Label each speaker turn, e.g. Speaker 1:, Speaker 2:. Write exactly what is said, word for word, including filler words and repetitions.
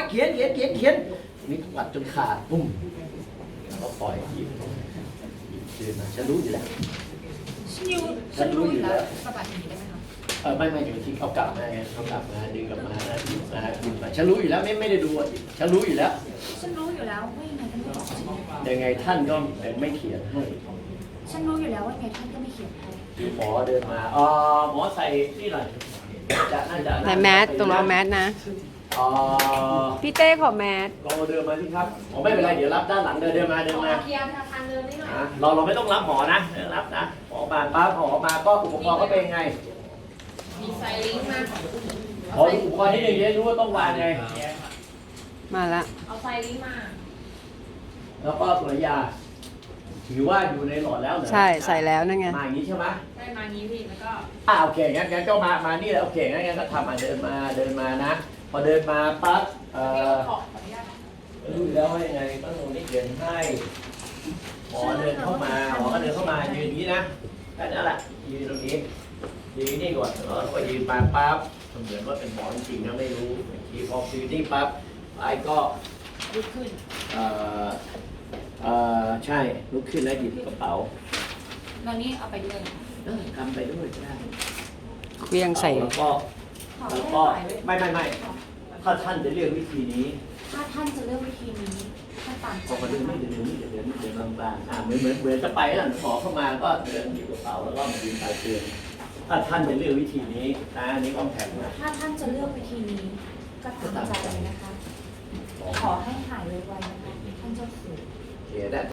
Speaker 1: เขียนเขียนเขียนเขียนนี่ปัดจนขาดปุ้มแล้วก็ปล่อยหยิบหยิบคืนมาฉันรู้อยู่แล้ว
Speaker 2: ฉันรู้ฉันรู้อยู่แล้วสะบัดอย่างนี้ได้ไหมคะ
Speaker 1: เออไม่ไม่จะไปทิ้งเอากลับมาไงเอากลับมาดึงกลับมานะหยิบมาหยิบมาฉันรู้อยู่แล้วไม่ไม่ได้ดูอ่ะฉันรู้อยู่แล้ว
Speaker 2: ฉันรู้อยู่แล้วว่ายังไงท่านก็บอกฉัน
Speaker 1: ยังไงท่านก็ไม่เขียนให้
Speaker 2: ฉันรู้อยู่แล้วว่ายังไงท่านก็ไม่เขียนให้
Speaker 1: คือหมอเดินมาอ๋อหมอใส่นี่หน่อยจะน่าจะ
Speaker 3: ไหนแมสตรงเราแมสนะ
Speaker 1: อ๋อ
Speaker 3: พี่เต้ขอแมส
Speaker 1: ลองเดินมาที่ครับหมอไม่เป็นไรเดี๋ยวรับด้านหลังเดินเดินมาเดินมา
Speaker 2: เคลียร์ทางเดินนิดหน่อย
Speaker 1: อ่ะเราเราไม่ต้องรับหมอนะไม่ต้องรับนะหมอมาปั๊บหมอมาก็อุปกรณ์ก็เป็นยังไง
Speaker 2: มีไซลิงก์มา
Speaker 1: ขออุปกรณ์ที่หนึ่งจะได้รู้ว่าต้องวางไง
Speaker 3: มาละ
Speaker 2: เอาไซลิงก์มา
Speaker 1: แล้วก็ตัวยาถือว่าอยู่ในหลอดแล้วเหรอ
Speaker 3: ใช่ใส่แล้วนั่นไง
Speaker 1: มาอย่างนี้ใช่ไหม
Speaker 2: ได้มางี้พี่แล้วก็
Speaker 1: อ่าโอเคงั้นงั้นก็มามานี่แหละโอเคงั้นงั้นก็ทำมาเดินมาเดินมานะ พอเดินมาปั๊บเอ่อ
Speaker 2: ขอขออนุญาต
Speaker 1: รู้อยู่แล้วว่ายังไงต้องลงนี่เขียนให้หมอเดินเข้ามาหมอก็เดินเข้ามายืนอย่างนี้นะแค่นั้นแหละยืนตรงนี้ยืนนี่ก่อนแล้วก็ยืนมาปั๊บเหมือนว่าเป็นหมอจริงๆนะไม่รู้ทีพอยืนนี่ปั๊บไอ้ก็
Speaker 2: ลุกขึ้น
Speaker 1: เอ่อเอ่อใช่ลุกขึ้นแล้วหยิบกระเป๋า
Speaker 2: ตอนนี้เอาไปด้วย
Speaker 1: เออทำไปด้วยก็ได้
Speaker 3: เครื่องใส่
Speaker 1: แล้วก็
Speaker 2: ขอ
Speaker 1: แล้ว
Speaker 2: ให้
Speaker 1: ก็
Speaker 2: ถ่ายไว้
Speaker 1: ไม่ไม่ไม่ถ้าท่านจะเลือกวิธีนี้
Speaker 2: ถ้าท่านจะเลือกวิธีนี้ท่านตามใจ
Speaker 1: พอมาเดินนี่เดินนี่เดินนี่เดินบางๆอ่าเหมือนเหมือนเหมือนจะไปแล้วหมอเข้ามาก็เดินหยิบกระเป๋าแล้วก็มายืนปลายเตียงถ้าท่านจะเลือกวิธีนี้นะอันนี้ต้องแข็งนะ
Speaker 2: ถ้าท่านจะเลือกวิธีนี้ก็ตามใจเลยนะคะ ขอให้หายไวๆนะคะท่านเจ้าสัว
Speaker 1: โอเคได้